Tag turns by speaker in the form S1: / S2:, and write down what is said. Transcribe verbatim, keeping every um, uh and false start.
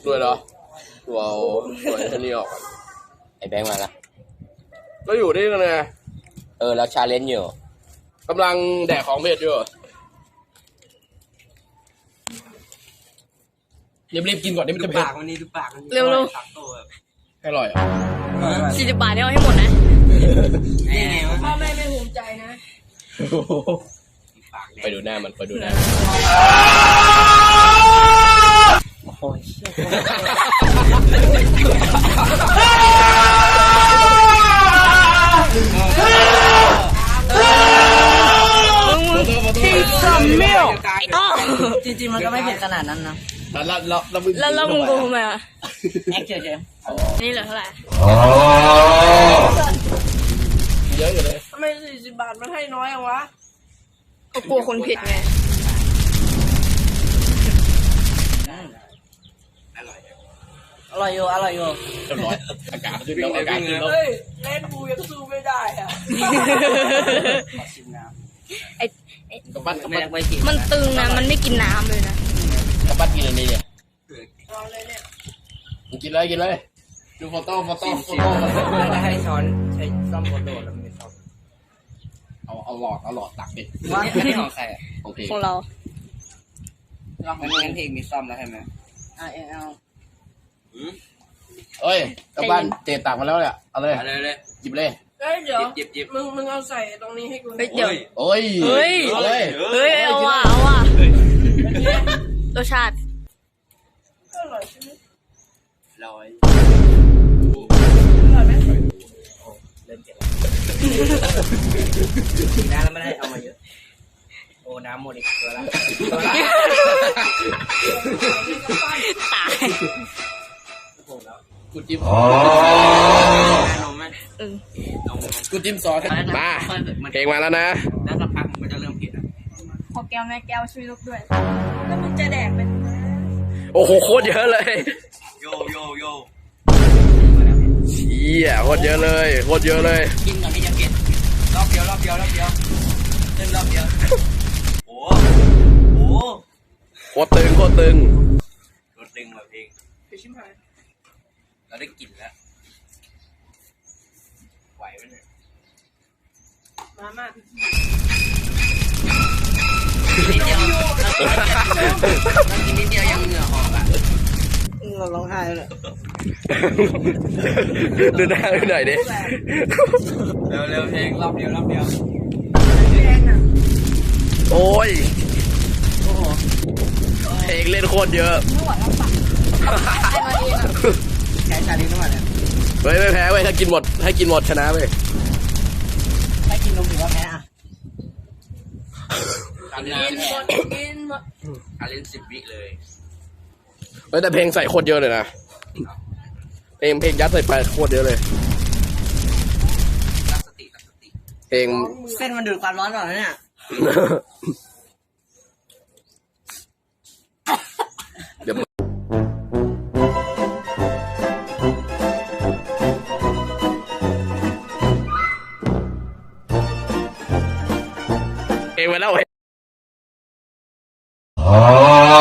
S1: ด้วยเหรอตัวเอาตัวไอ้นี่ออกไอ้แบงค์มาละก็อยู่นี่กันไงเออแล้วชาเลนจ์อยู่กำลังแดกของเผ็ดอยู่รีบๆกินก่อนนี่มันจะเผ็ด
S2: วันนี้ดูปากมัน
S3: เร็วๆ
S1: อร่อยอ่ะ
S3: สี่สิบบาทเนี่ยเอาให้หมดนะ
S2: นี่ไงวะ
S3: พ่อแม่ไม่ภูมิใจนะ
S1: ไปดูหน้ามันไปดูหน้าโอ้ย
S2: จริงๆมันก็ไม่เผ็ดขนาดนั้นนะ
S1: แล้วแล้วแล้ว
S3: แล้วแล้วมึงโกงทำไมอ่ะ
S2: แอคเฉย
S3: นี่เหลือเท่าไหร่
S1: เยอะอยู่เลย
S4: ทำไมสี่สิบบาทมันให้น้อยอะวะ
S3: ก็กลัวคนผิดไง
S2: ๆอร่อยอยู่อร่อยอยู่
S1: เรียบร้อยอากาศขึ้นแล้วอากาศขึ้นแล้ว
S4: เฮ้ยเล่นบูยังสู้ไม่ได้อะ
S2: ชิมน้
S3: ไอ้
S1: กระปั้นกระ
S2: ำไม่
S1: ปั้น
S2: ได้ไปกิน
S3: มันตึงนะมันไม่กินน้ำเลยนะ
S1: กระปั้นกินอันนี้เนี่ย
S4: รอเลยเนี่ย
S1: กินเลยกินเลยดูโฟโต้โฟโต้โฟโต้
S2: แล้วจะให้ช้อนใช้ซ่อมโคโดแล้วมันไม่ซ่อม
S1: เอาเอาหลอดเอาหลอดตักดิ
S2: ว่าอันนี้ของใครอ่ะ
S1: โอเค
S3: ของเรา
S2: งั้นงั้นเพลงมีซ่อมแล้วใช่ไหมอ่าเอา
S1: เอ้ยกระปั้นเจตักมาแล้วเนี่ยเอาเลย
S2: อะไรเลย
S1: หยิบเลย
S4: เฮ้ยเดี๋ยว
S2: จิบจิบ
S4: มึงมึงเอาใส่ตรงนี้ให้กู
S3: เฮ้ยเดี๋ยว
S1: โอ้ย
S3: เฮ้ย
S1: เอาเลย
S3: เฮ้ยเอาว่ะเอาว่ะรสชาติ
S4: ก็อร่อยใช่ไหม
S2: ร้อย
S4: อร่อยไหม
S2: เริ่มเจ็บกินน้ำแล้วไม่ได้เอามาเยอะโอ้น้ำหมดอีกตัวละตัวละ
S3: ตาย
S1: กูจิ้ม
S2: นมไหม
S3: เออ
S2: นม
S1: กูจิ้มซอสมาเพลงมาแล้วนะ
S2: แล้วสักพักมันจะเริ่มเผ็ดอ่ะ
S3: ขอแก้วแม่แก้วช่วยลูกด้วย
S4: แล้วมึงจะแดกเป็น
S1: โอ้โหโคตรเยอะเลย
S2: โยโยโย
S1: เชี่ยโคตรเยอะเลยโคตรเยอะเลย
S2: กินก่อนที่จะเผ็ดรอบเดียวรอบเดียวรอบเดียวเล่นรอบเดียวโอ้โห
S1: โคตรตึงโคตรตึง
S2: รถดึงแบบเพลง
S4: ไปชิมหาย
S2: เราได้กลิ่นแล้วไหวไหมเนี่ย
S4: มาม่า
S2: นิดเดียวเรากินนิดเดียวยังเหงื่อออกอ่ะเราร้องไห้เลย
S1: ดูหน้าดูหน่อยดิ
S2: เร็วเร็วเพลงรอบเดียวรอบเดียว
S4: แดงอ่ะ
S1: โอ้ย
S2: โอ้โห
S1: เพลงเล่นโคตรเยอะ
S2: แค่ชาลีน้ำมันเนี่ย
S1: เฮ้ยไม่แพ้เว้ยถ้ากินหมดให้กินหมดชนะเว้ย
S2: ถ้ากินนมถือว่าแพ้อ่ะการ
S4: กิ
S2: นาน
S4: นหมดกินหมด
S2: การเล่นสิบวิเลย
S1: เฮ้ยแต่เพลงใส่โคตรเยอะเลยนะเพลงเพลงยัดใส่ไปโคตรเยอะเลย
S2: ตั้งสติตั้งสติ
S1: เพลง
S2: เส้นมันดูดความร้อนก่อนนะเนี่ย
S1: เดี๋ยวเพลงมาแล้วเว้ย